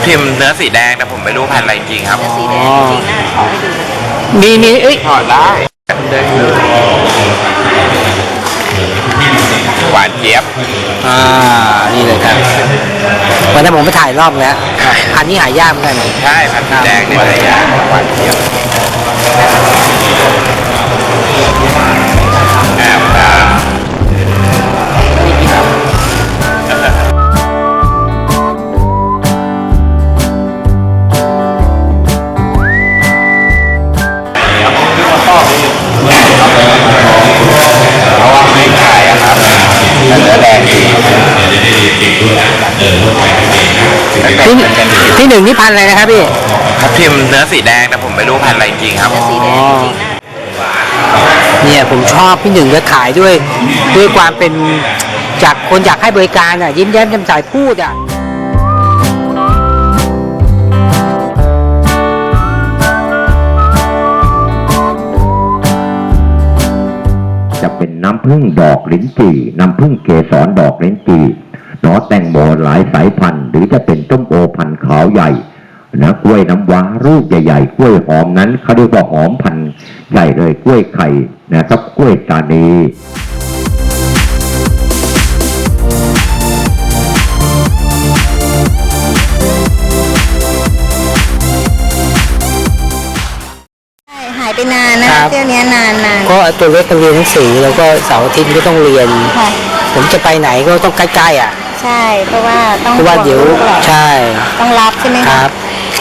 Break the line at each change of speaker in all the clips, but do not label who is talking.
พิมพ์เนื้อสีแดงแต่ผมไม่รู้พันธุ์อะไรจริงครับ
เนื้อสีแดงจริงๆนะขอให้ดู
มีเอ้ย
ถอดได้ได้เลยหวานเจี๊ยบ
นี่เลยครับวันนั้นผมไปถ่ายรอบแล้วพันธุ์นี้หายากเหมือนกัน
ใช่พันธุ์สีแดงนี่อะไรอย่างหวานเจี๊ยบเพราะว่าไม่ขายอะครับแต่เนื้อแดงดี
ที่หนึ่งนี่พันธุ์อะไรนะครับพี่
ทับทิมเนื้อสีแดงแต่ผมไม่รู้พันธุ์อะไรจริงครับ
เนื้อสีแดงจริงๆนะ
เนี่ยผมชอบพี่หนึ่งก็ขายด้วยความเป็นจากคนอยากให้บริการอ่ะยิ้มแย้มแจ่มใสพูดอ่ะ
จะเป็นน้ำผึ้งดอกลิ้นจี่น้ำผึ้งเกสรดอกลิ้นจี่หนอแตงโมหลายสายพันธุ์หรือจะเป็นต้มโอพันธุ์ขาวใหญ่นะกล้วยน้ำว้าลูกใหญ่ๆกล้วยหอมนั้นเขาเรียกว่าหอมพันธุ์ใหญ่เลยกล้วยไข่นะครับกล้วยตานี
หายไปนานนะเที่ยวนี้นาน
ก็ตัวเล็กเรียนหนังสือแล้วก็เสาร์อาทิตย์ก็ต้องเรียน
ค่ะ
ผมจะไปไหนก็ต้องใกล้ๆอ่ะ
ใช่เพราะว่าต้อง
เพราะว่าเดี๋ยว
ห่งลูกหลาน
ใช่
ต้องรับใช่ไหม
ค
คะ
รับ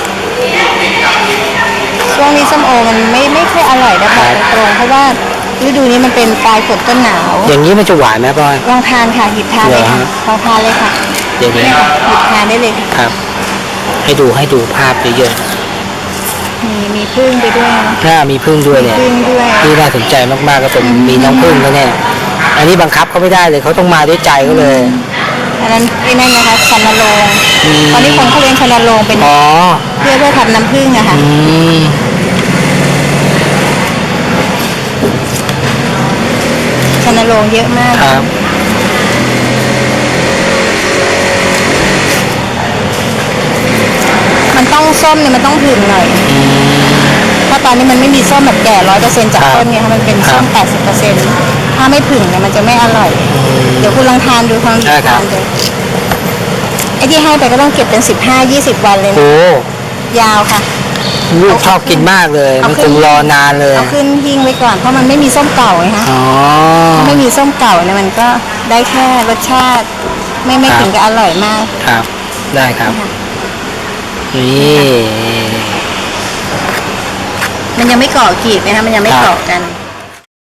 ช่วงนี้ส้มโอมันไม่ค่อยอร่อยนะบอกตรงๆเพราะว่าฤดูนี้มันเป็นปลายฝนต้นหนาว
อย่างนี้มันจะหวานไหมพ่อ
ลองทานค่ะหยิบทานเลยค่ะ
เหรอฮะ
ลองทานเลยค่ะ
เดี๋ยว
เนี่ยค่ะหยิบทานได้เลยค่ะ
ครับ ให้ดูภาพเยอะ
มีพึ่งไปด้วยนะ
ๆถ้ามีพึ่งด้วยเนี่ย
พึ่งด้วย
ที่น่าสนใจมากๆก็เป็นมีน้องพึ่งแล้วเนี่ยอันนี้บังคับเขาไม่ได้เลยเขาต้องมาด้วยใจเขาเลย
อันนั้นไอ้นั่นนะคะชันนโรงตอนนี้คนเขาเลี้ยงชันนโรงเป็น
อ๋อ
เพื่อทำน้ำผึ้งอะค่ะ
ม
ชันนโรงเยอะมาก
ครับ
มันต้องส้มเนี่ยมันต้องผึ่งหน่อยเพราะตอนนี้มันไม่มีส้มแบบแก่100%จากต้นเนี่ยค่ะมันเป็นส้ม80%ถ้าไม่ผึ่งเนี่ยมันจะไม่อร่อย เดี๋ยวคุณลองทานดูความ
ได้ครับ
ทานดูไอ้ที่ให้ไปก็ต้องเก็บเป็น15-20 วันเลย
โอ้
ยาวค่ะ
ลูกชอบกินมากเลย มันคงรอนานเลย
เอาขึ้นหิ้งไว้ก่อนเพราะมันไม่มีส้มเก่าไงคะ
อ๋อ
ถ้าไม่มีส้มเก่าเนี่ยมันก็ได้แค่รสชาติ ไม่ถึงกับอร่อยมาก
ครับ ได้ครับ นี่
มันยังไม่เกาะกลีบนะคะมันยังไม่เกาะกัน